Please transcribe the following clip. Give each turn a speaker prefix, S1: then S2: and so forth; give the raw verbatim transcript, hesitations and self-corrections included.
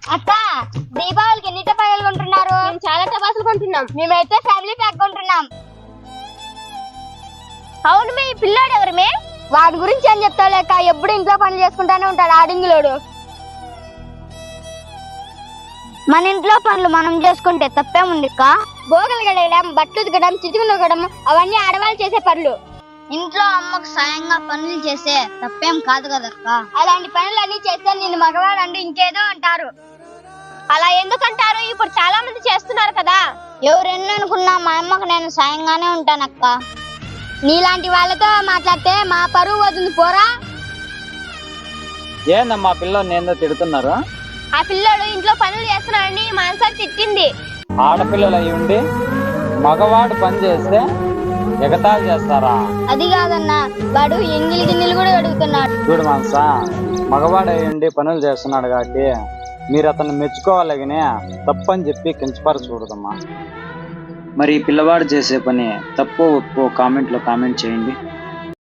S1: అక్క దీపావళికి ఎన్ని టపాసులు కొంటున్నారు?
S2: మేము చాలా టపాసులు కొంటున్నాం.
S1: మేమైతే ఫ్యామిలీ ప్యాక్ కొంటున్నాం.
S2: అవును, మీ పిల్లాడు ఎవరు? మే
S1: వాడి గురించి ఏం చెప్తావు లేక, ఎప్పుడు ఇంట్లో పనులు చేసుకుంటానే ఉంటాడు ఆడింగులోడు. మన ఇంట్లో పనులు మనం చేసుకుంటే తప్పేముంది అక్క? బోగలు గడగడం, బట్టలు ఉతకడం, చిటుకులు నొక్కడం అవన్నీ ఆడవాళ్ళు చేసే పనులు. ఇంట్లో అమ్మకు సాయంగా పనులు చేసే తప్పేం కాదు కదక్క. అలాంటి పనులన్నీ చేస్తే నేను మగవాడు అంటూ ఇంకేదో అంటారు.
S2: అలా ఎందుకంటారు? ఇప్పుడు చాలా మంది చేస్తున్నారు కదా.
S1: ఎవరెన్ని అనుకున్నా మా అమ్మకు నేను సాయంగానే ఉంటానక్క. నీలాంటి వాళ్ళతో మాట్లాడితే మా పరువు వదులు పోరా.
S3: ఏందమ్మా పిల్లలు ఏందో తిడుతున్నారు?
S2: ఆ పిల్లోడు ఇంట్లో పనులు చేస్తున్నాడని మాన్సార్ తిట్టింది.
S3: ఆడపిల్లలు అయి ఉండి మగవాడు పని చేస్తే ఎగతాళి చేస్తారా?
S1: అది కాదన్నా, వాడు ఎంగిలి గిన్నెలు కూడా అడుగుతున్నాడు.
S3: చూడు మాన్సా, మగవాడు అయి ఉండి పనులు చేస్తున్నాడు కాబట్టి మీరు అతన్ని మెచ్చుకోవాలగినే తప్పని చెప్పి కించపరచకూడదమ్మా. మరి ఈ పిల్లవాడు చేసే పని తప్పు ఒప్పు కామెంట్లో కామెంట్ చేయండి.